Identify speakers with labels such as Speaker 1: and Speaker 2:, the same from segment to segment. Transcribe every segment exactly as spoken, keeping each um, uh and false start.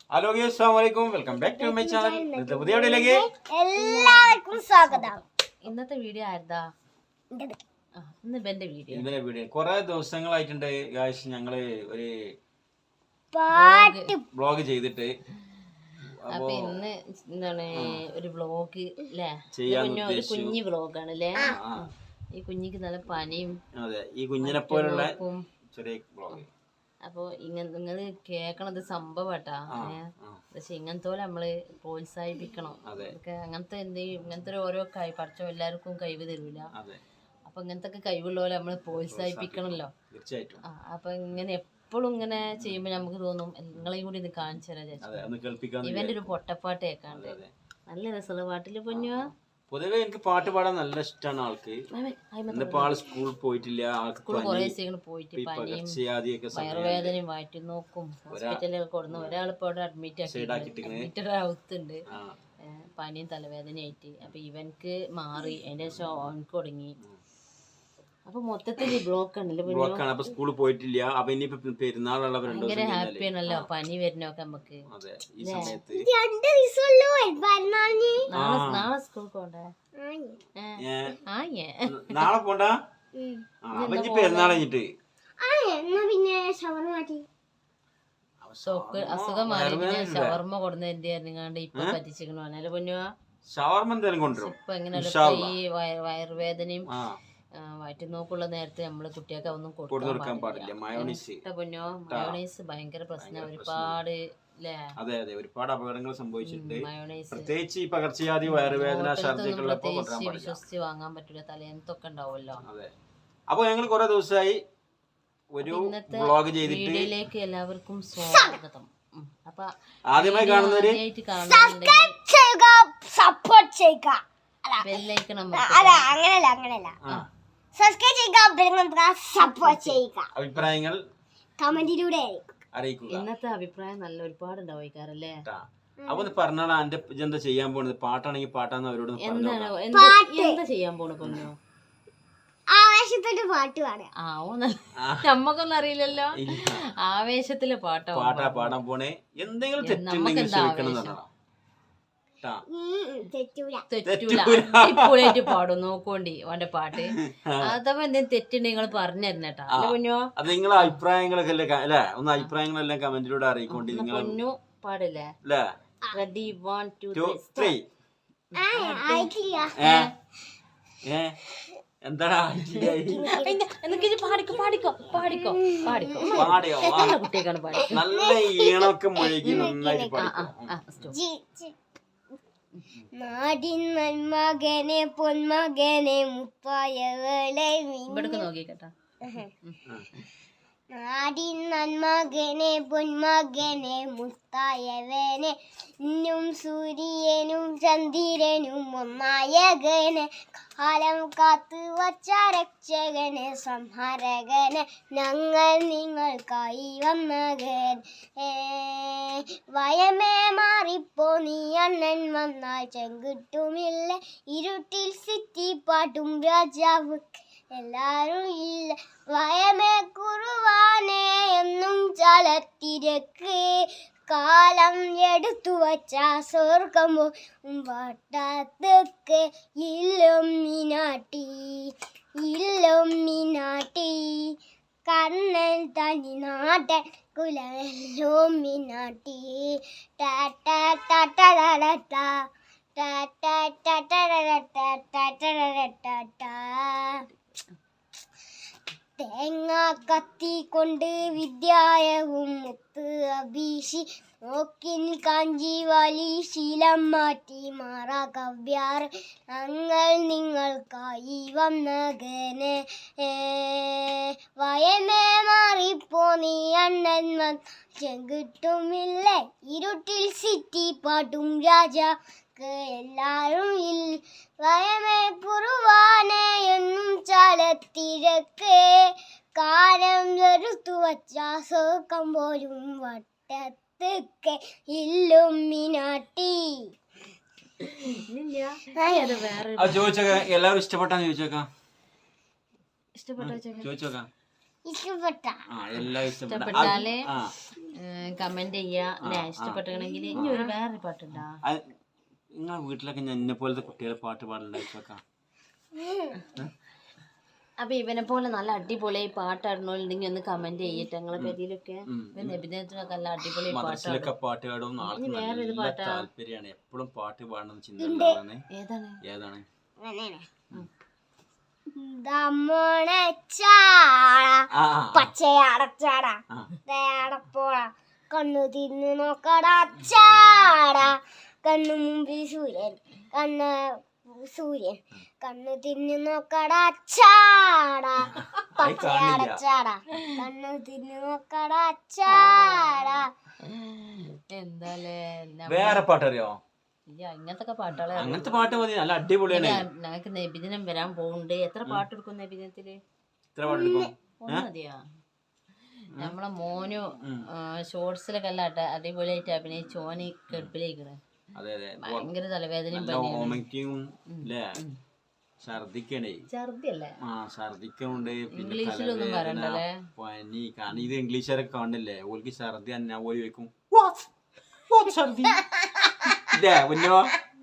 Speaker 1: Hello guys, അസ്സലാമു അലൈക്കും. Welcome back to my channel. ഇന്നത്തെ പുതിയ വീഡിയോയിലേക്ക്
Speaker 2: എല്ലാവർക്കും സ്വാഗതം.
Speaker 3: ഇന്നത്തെ വീഡിയോ ആയിരുന്നാ ഇന്ന് ഇവന്റെ വീഡിയോ
Speaker 1: ഇന്നലെ വീഡിയോ കുറെ ദിവസങ്ങളായിട്ടുണ്ട് ഗൈസ്. ഞങ്ങള് ഒരു
Speaker 2: പാട്ട്
Speaker 1: വ്ളോഗ് ചെയ്തിട്ട്
Speaker 3: അപ്പൊ ഇന്ന് എന്താണ് ഒരു വ്ളോഗ് അല്ലേ?
Speaker 1: ചെയ്യാൻ
Speaker 3: ഒരു കുഞ്ഞു വ്ളോഗാണ് അല്ലേ? ഈ കുഞ്ഞിക്ക് നല്ല പനിയും.
Speaker 1: അതെ, ഈ കുഞ്ഞിനെ പോലുള്ള ചെറിയ വ്ളോഗ്.
Speaker 3: അപ്പൊ ഇങ്ങനെ നിങ്ങള് കേക്കണത് സംഭവട്ടാ. പക്ഷെ ഇങ്ങനത്തെ പോലെ നമ്മള് പ്രോത്സാഹിപ്പിക്കണം. അങ്ങനത്തെ എന്ത് ഇങ്ങനത്തെ ഓരോ കൈ പഠിച്ചോ എല്ലാവർക്കും കഴിവ് തരൂല. അപ്പൊ ഇങ്ങനത്തെ ഒക്കെ കഴിവുള്ള പോലെ നമ്മള് പ്രോത്സാഹിപ്പിക്കണല്ലോ.
Speaker 1: തീർച്ചയായിട്ടും.
Speaker 3: അപ്പൊ ഇങ്ങനെ എപ്പോഴും ഇങ്ങനെ ചെയ്യുമ്പോ നമുക്ക് തോന്നും നിങ്ങളെയും കൂടി ഇത് കാണിച്ചു തരാം. ഇവന്റെ ഒരു പൊട്ടപ്പാട്ട് കേൾക്കാണ്ട് നല്ല രസമുള്ള പാട്ടില് പൊന്നു.
Speaker 1: പൊതുവെ എനിക്ക് പാട്ട് പാടാൻ നല്ല ഇഷ്ടമാണ് ആൾക്ക്. ഇന്നിപ്പോ ആള് സ്കൂളിൽ പോയിട്ടില്ല.
Speaker 3: വയറുവേദനയും വയറ്റി നോക്കും ഹോസ്പിറ്റലിൽ കൊടുന്നു. ഒരാളിപ്പോ അവിടെ അഡ്മിറ്റ് ആക്കി ആവുത്തുണ്ട് പനിയും തലവേദനയായിട്ട്. അപ്പൊ ഇവൻക്ക് മാറി അതിന്റെ ശേഷം അവൻക്ക് തുടങ്ങി. അപ്പൊ മൊത്തത്തില് ബ്ലോക്ക്
Speaker 1: ബ്ലോക്കാണ്. അപ്പൊ സ്കൂളിൽ പോയിട്ടില്ല. അപ്പൊ ഇനിയിപ്പോ പെരുന്നാളുള്ള
Speaker 3: ഭയങ്കര ഹാപ്പി ആണല്ലോ പനി വരുന്നൊക്കെ നമുക്ക്.
Speaker 1: ഈ സമയത്ത്
Speaker 3: നാളെ സ്കൂളിൽ പോണ്ടേ?
Speaker 1: നാളെ പോണ്ടാ. പെരുന്നാൾ കഴിഞ്ഞിട്ട്
Speaker 3: അസുഖം മാറി പിന്നെ ഷവർമ്മ കൊടുന്ന എന്ത് ഇപ്പൊ പറ്റിച്ചിരിക്കണോ അല്ലേ പൊന്നുവാ?
Speaker 1: ഷവർമ്മ എന്തായാലും കൊണ്ടുവരും.
Speaker 3: ഇപ്പൊ എങ്ങനെയല്ല ഈ വയറുവേദനയും വയറ്റി നോക്കുള്ള നേരത്തെ നമ്മള് കുട്ടിയൊക്കെ ഒന്നും കൊടുക്കാൻ പാടില്ല. പൊന്നോ മയോണൈസ് ഭയങ്കര പ്രശ്നം. ഒരുപാട്
Speaker 1: അതെ അതെ ഒരുപാട് അപകടങ്ങൾ സംഭവിച്ചിട്ടുണ്ട്. പ്രത്യേകിച്ച് ഈ പകർച്ചവ്യാധി വയറുവേദന ഛർദിക്കുള്ളപ്പോ
Speaker 3: വിശ്വസിച്ച് വാങ്ങാൻ പറ്റില്ല. തലേന്നത്തൊക്കെ ഉണ്ടാവുമല്ലോ.
Speaker 1: അതെ. അപ്പൊ ഞങ്ങൾ കുറെ ദിവസമായി ഒരു വ്ളോഗ് ചെയ്തിട്ട്
Speaker 3: വീഡിയോയിലേക്ക് എല്ലാവർക്കും സ്വാഗതം. അപ്പൊ
Speaker 1: ആദ്യമായി കാണുന്നവര്
Speaker 2: സപ്പോർട്ട് ചെയ്യുക.
Speaker 3: ബെല്ലൈക്കൺ
Speaker 2: അങ്ങനെയല്ല അങ്ങനെയല്ല സബ്സ്ക്രൈബ് ചെയ്യുക, സപ്പോർട്ട് ചെയ്യുക.
Speaker 1: അഭിപ്രായങ്ങൾ
Speaker 2: കമന്റിലൂടെ
Speaker 1: അറിയിക്കുക.
Speaker 3: ഇന്നത്തെ അഭിപ്രായം നല്ല ഒരുപാട് ഉണ്ടാവിക്കാറല്ലേ?
Speaker 1: അപ്പൊ പറഞ്ഞാടാ എന്റെ എന്താ ചെയ്യാൻ പോണത്? പാട്ടാണെങ്കിൽ പാട്ടാന്ന് അവരോട്
Speaker 3: എന്താണ് എന്താ ചെയ്യാൻ പോണ പൊന്നോ?
Speaker 2: ആവേശത്തിന്റെ പാട്ട് പാടാം.
Speaker 3: നമ്മക്കൊന്നും അറിയില്ലല്ലോ. ആവേശത്തില് പാട്ടാ
Speaker 1: പാട്ടാ പാടാൻ പോണേ. എന്തെങ്കിലും തെറ്റുണ്ടെങ്കിൽ ക്ഷമിക്കണം.
Speaker 3: തെറ്റൂലായിട്ട് പാടും. നോക്കോണ്ടി അവന്റെ പാട്ട്. അഥവാ എന്തെങ്കിലും തെറ്റുണ്ടെങ്കിൽ നിങ്ങൾ പറഞ്ഞു തരണേട്ടാ പൊന്നോ.
Speaker 1: അത് നിങ്ങളെ അഭിപ്രായങ്ങളൊക്കെ അല്ലേ? ഒന്ന് അഭിപ്രായങ്ങളെല്ലാം കമന്റിലൂടെ അറിയിക്കൊണ്ട് നിങ്ങൾ
Speaker 3: പൊന്നു പാടില്ലേ? Ready one two
Speaker 1: three. എന്താടാ
Speaker 3: പാടിക്കോ പാടിക്കോ പാടിക്കോ പാടിക്കോ
Speaker 1: പാടിയോ?
Speaker 3: കുട്ടിയൊക്കെയാണ് പാടി
Speaker 1: നല്ല ഈണമൊക്കെ മുഴുകി നന്നായിട്ട് പാടിക്കോ.
Speaker 2: നാടിൻ നന്മകനെ പൊന്മകനെ മുപ്പായവളെ
Speaker 3: ഇവിടേക്ക് നോക്കിക്കട്ടാ.
Speaker 2: നാടിൻ നന്മകനെ പൊന്മകനെ മുത്തായവനെ ഇന്നും സൂര്യനും ചന്ദ്രനും ഒന്നായകനെ കാലം കാത്തു വച്ച രക്ഷകനെ സംഹാരകനെ ഞങ്ങൾ നിങ്ങൾക്കായി വന്നകൻ. വയമേ മാറിപ്പോ നീ അണ്ണൻ വന്നാൽ ചെങ്കിട്ടുമില്ല ഇരുട്ടിൽ സിറ്റി പാട്ടും രാജാവ് എല്ലാരും ഇല്ല. വയമേ കുറുവാനെ എന്നും ചലത്തിരക്ക് കാലം എടുത്തു വച്ച സ്വർഗം വട്ടത്തൊക്കെ ഇല്ലും മീനാട്ടി ഇല്ലും മീനാട്ടി കണ്ണൻ തനി നാട്ടൻ കുലല്ലോ മീനാട്ടി ടാറ്റാ ടാറ്റാ തേങ്ങ കത്തി കൊണ്ട് വിദ്യായവും മുത്ത് അഭീഷി നോക്കിൻ കാഞ്ചി വലി ശീലം മാറ്റി മാറാ കവ്യാർ ഞങ്ങൾ നിങ്ങൾക്കായി വന്നകനെ. വയമേ മാറിപ്പോ നീ അണ്ണൻ വൻ ചെങ്കിട്ടുമില്ല ഇരുട്ടിൽ സിറ്റി പാട്ടും രാജാ എല്ലാരും ഇൽ. വയമേ കുറുവാനെ എന്നും ചലത്തിരക്ക് കാലം വെറുത്തു വച്ച സോക്കം പോലും വട്ടത്തൊക്കെ ഇല്ലും മീനാട്ടി.
Speaker 1: ചോദിച്ചോക്കാം എല്ലാവരും ഇഷ്ടപ്പെട്ടാന്ന് ചോദിച്ചോക്കാം.
Speaker 3: ഇഷ്ടപ്പെട്ടോ
Speaker 1: ചോദിച്ചോക്കാം.
Speaker 2: ഇഷ്ടപ്പെട്ട
Speaker 1: ആ എല്ലാം ഇഷ്ടപ്പെട്ട
Speaker 3: ഇഷ്ടപ്പെട്ടാല് കമന്റ് ചെയ്യാ അല്ലെ ഇഷ്ടപ്പെട്ടണെങ്കിൽ ഇനി ഒരു വേറൊരു പാട്ടുണ്ടാ
Speaker 1: നിങ്ങളെ വീട്ടിലൊക്കെ ഞാൻ എന്നെ പോലത്തെ കുട്ടികളെ പാട്ട് പാടലുണ്ടായിട്ടൊക്കെ
Speaker 3: അപ്പൊ ഇവനെ പോലെ നല്ല അടിപൊളി പാട്ടാടണോണ്ടെങ്കിൽ ഒന്ന് കമന്റ് ചെയ്യട്ടെ ഞങ്ങളെ പേരിലൊക്കെ അഭിനയത്തിനൊക്കെ നല്ല അടിപൊളി
Speaker 1: മദ്രസിലൊക്കെ പാട്ട് പാടും ആൾക്ക് നല്ല താല്പര്യമാണ് എപ്പോഴും പാട്ട് പാടണം ചിന്ത ഉണ്ടാവാണ്
Speaker 3: ഏതാണ്
Speaker 1: ഏതാണ്
Speaker 2: പച്ചയടച്ചാട തേടപ്പോള കണ്ണു തിന്നു നോക്കടാ ചാട കണ്ണു മുമ്പിൽ സൂര്യൻ കണ്ണ് സൂര്യൻ കണ്ണു തിന്നു നോക്കടാ ചാട പച്ചയടച്ചാട കണ്ണു തിന്നു നോക്കടാ ചാട
Speaker 3: എന്താലേ
Speaker 1: വേറെ പാട്ടറിയോ
Speaker 3: ഇങ്ങനത്തെ പാട്ടുകളെ
Speaker 1: അങ്ങനത്തെ പാട്ട് മതി നല്ല അടിപൊളിയാണ്
Speaker 3: ഞങ്ങൾക്ക് നബിദിനം വരാൻ പോകുന്നുണ്ട് എത്ര പാട്ടെടുക്കും നബിദിനത്തില്
Speaker 1: എത്ര പാട്ടെടുക്കും
Speaker 3: ഒന്ന് മതിയാ നമ്മളെ മോനു ഷോർട്സിലൊക്കെ അല്ല അടിപൊളിയായിട്ട് അഭിനയിച്ച് ഓന് കെടുപ്പിലേക്കണ്
Speaker 1: അതെ അതെ
Speaker 3: ഭയങ്കര തലവേദനയും
Speaker 1: ഓമയ്ക്കും അല്ലേ ഛർദിക്കണേ
Speaker 3: ഛർദിയല്ലേ
Speaker 1: ആ ഛർദിക്കുന്നുണ്ട് പിന്നെ
Speaker 3: ഇംഗ്ലീഷിലൊന്നും പറയണ്ടല്ലേ
Speaker 1: പനി കാരണം ഇത് ഇംഗ്ലീഷുകാരൊക്കെ കാണില്ലേ ഓൾക്ക് ഛർദി അന്നാ പോയി വെക്കും ഛർദി ഇല്ലേ കുഞ്ഞോ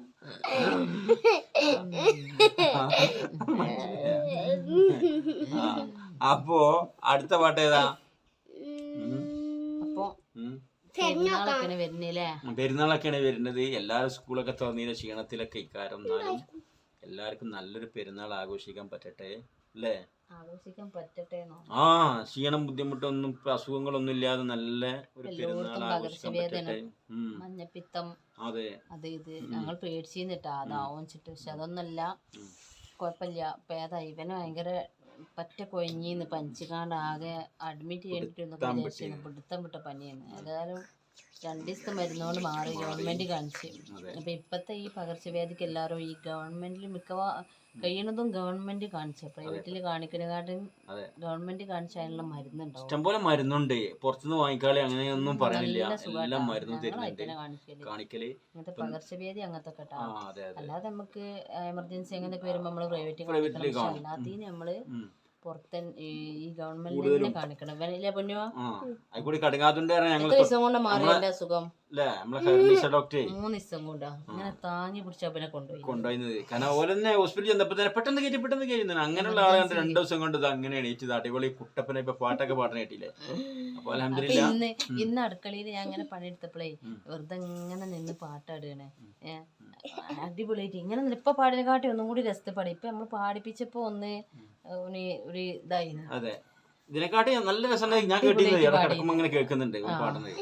Speaker 1: അപ്പോ അടുത്ത പാട്ട് ഏതാ
Speaker 3: അപ്പൊ പെരുന്നാളൊക്കെ വരുന്നില്ലേ
Speaker 1: പെരുന്നാളൊക്കെയാണ് വരുന്നത് എല്ലാവരും സ്കൂളൊക്കെ തുറന്നതിന്റെ ക്ഷീണത്തിലൊക്കെ ഇക്കാരം എന്നാലും എല്ലാവർക്കും നല്ലൊരു പെരുന്നാൾ ആഘോഷിക്കാൻ പറ്റട്ടെ അല്ലേ
Speaker 3: ആഘോഷിക്കാൻ പറ്റട്ടെ
Speaker 1: ആ ക്ഷീണം ബുദ്ധിമുട്ടൊന്നും അസുഖങ്ങളൊന്നും ഇല്ലാതെ നല്ല ഒരു പെരുന്നാൾ ആഘോഷിക്കാൻ പറ്റട്ടെ
Speaker 3: മഞ്ഞപ്പിത്തം
Speaker 1: അതെ
Speaker 3: അത് ഇത് ഞങ്ങൾ പേടിച്ചിരുന്നിട്ടാ അതാവും ചിട്ട് പക്ഷെ അതൊന്നല്ല കുഴപ്പമില്ല പേതാ ഇവന് ഭയങ്കര പറ്റ കൊഴിഞ്ഞിന്ന് പനിച്ചുകാണ്ട് ആകെ അഡ്മിറ്റ് ചെയ്തിട്ട് പിടുത്തം വിട്ട പനിയാണ് ഏതായാലും രണ്ടു ദിവസത്തെ മരുന്നുകൊണ്ട് മാറി ഗവൺമെന്റ് കാണിച്ച് അപ്പൊ ഇപ്പത്തെ ഈ പകർച്ചവ്യാധിക്ക് എല്ലാവരും ഈ ഗവൺമെന്റിൽ മിക്കവാ കഴിയണതും ഗവൺമെന്റ് കാണിച്ച പ്രൈവറ്റില് കാണിക്കുന്നതിനെക്കാട്ടും ഗവൺമെന്റ് കാണിച്ച അതിനുള്ള മരുന്നുണ്ടാവും
Speaker 1: ഇഷ്ടംപോലെ മരുന്നുണ്ട് പുറത്തുനിന്ന് വാങ്ങിക്കാളെ അങ്ങനെയൊന്നും പറയുന്നില്ല എല്ലാം മരുന്നും കാണിക്കല്
Speaker 3: ഇങ്ങനത്തെ പകർച്ചവ്യാധി അങ്ങനത്തെ കേട്ടോ അല്ലാതെ നമുക്ക് എമർജൻസി അങ്ങനത്തെ വരുമ്പോ നമ്മള് പ്രൈവറ്റിൽ കാണിക്കണം അല്ലാത്തീന് നമ്മള് പുറത്തെ ഈ ഗവൺമെന്റിനെ കാണിക്കണം ഇവനില്ലേ പൊന്നുവാ എത്ര ദിവസം കൊണ്ട് മാറി എന്റെ അസുഖം മൂന്ന് ദിവസം കൊണ്ടാ അങ്ങനെ താങ്ങി പിടിച്ച അവനെ കൊണ്ടുപോയി
Speaker 1: കൊണ്ടുപോയത് കാരണം ഓലെന്നെ ഹോസ്പിറ്റലിൽ ചെന്നപ്പോ തന്നെ പെട്ടെന്ന് കയറ്റി പെട്ടെന്ന് കയറ്റുന്നു അങ്ങനെയുള്ള ആളുകൾ രണ്ടു ദിവസം കൊണ്ട് ഇത് അങ്ങനെ എണീറ്റത് അടിപൊളി കുട്ടപ്പനെ ഇപ്പൊ പാട്ടൊക്കെ പാടാൻ കേട്ടില്ലേ അപ്പൊ അൽഹംദുലില്ലാ
Speaker 3: ഇന്ന് ഇന്ന് അടുക്കളയിൽ ഞാൻ അങ്ങനെ പണിയെടുത്തപ്പോഴേ വെറുതെ ഇങ്ങനെ നിന്ന് പാട്ടാടുകയാണ് ഏഹ് അടിപൊളിയായിട്ട് ഇങ്ങനെ ഇപ്പൊ പാടിനെക്കാട്ടി ഒന്നും കൂടി രസത്തെ പാടി ഇപ്പൊ നമ്മള് പാടിപ്പിച്ചപ്പോ ഒന്ന് ഒരു ഇതായി
Speaker 1: അതെ ഇതിനെക്കാട്ടി നല്ല രസം ഞാൻ കേട്ടിരുന്നത് ഇങ്ങനെ കേൾക്കുന്നുണ്ട് പാടുന്നത്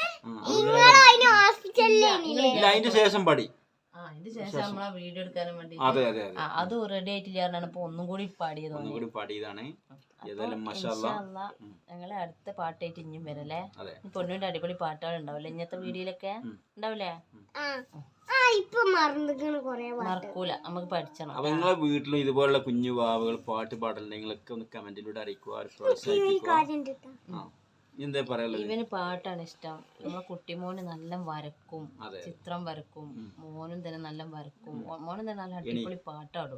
Speaker 1: അതിന്റെ ശേഷം പാടി
Speaker 3: അതിന്റെ ശേഷം നമ്മളാ വീഡിയോ എടുക്കാനും വേണ്ടി
Speaker 1: അതെ അതെ
Speaker 3: അത് റെഡി ആയിട്ടില്ലായിരുന്നു ഇപ്പൊ ഒന്നും കൂടി പാടിയത്
Speaker 1: ഒന്നും കൂടി പാടിയതാണ്
Speaker 3: ഞങ്ങളെ അടുത്ത പാട്ടായിട്ട് ഇനിയും വരല്ലേ പൊന്നുവിന്റെ അടിപൊളി പാട്ടുകൾ ഉണ്ടാവില്ലേ ഇന്നത്തെ വീഡിയോയിലൊക്കെ ഉണ്ടാവില്ലേ മറക്കൂല നമുക്ക് പഠിച്ചണം
Speaker 1: അപ്പൊ നിങ്ങളെ വീട്ടിലും ഇതുപോലുള്ള കുഞ്ഞു വാവുകൾ പാട്ട് പാടലുണ്ടെങ്കിലൊക്കെ ഒന്ന് കമന്റിലൂടെ അറിയിക്കുക പ്രോത്സാഹിപ്പിക്കുക എന്താ പറയാ
Speaker 3: ഇവന് പാട്ടാണ് ഇഷ്ടം നമ്മളെ കുട്ടിമോന് നല്ല വരക്കും ചിത്രം വരക്കും മോനും തന്നെ നല്ല വരക്കും മോനും തന്നെ നല്ല അടിപൊളി പാട്ടാടും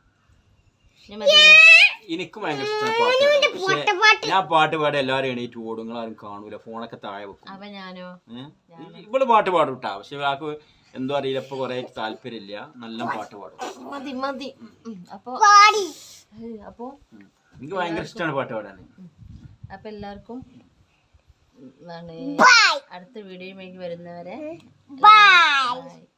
Speaker 1: എനിക്കും ഭയങ്കര ഇഷ്ടമാണ് പാട്ട് ഞാൻ പാട്ട് പാടി എല്ലാവരും എണീറ്റ് ഓടും നിങ്ങളാരും കാണൂല ഫോണൊക്കെ താഴെ വെക്കും
Speaker 3: അപ്പൊ ഞാനോ
Speaker 1: ഇവള് പാട്ട് പാടും കേട്ടാ പക്ഷെ ആൾക്ക് എന്തോ അറിയില്ല ഇപ്പൊ കൊറേ താല്പര്യമില്ല നല്ല പാട്ട് പാടും
Speaker 3: മതി മതി അപ്പൊ അപ്പൊ
Speaker 1: എനിക്ക് ഭയങ്കര ഇഷ്ടമാണ് പാട്ട് പാടാൻ
Speaker 3: അപ്പൊ എല്ലാവർക്കും അടുത്ത വീഡിയോയിലേക്ക് വരുന്നവരെ ബൈ.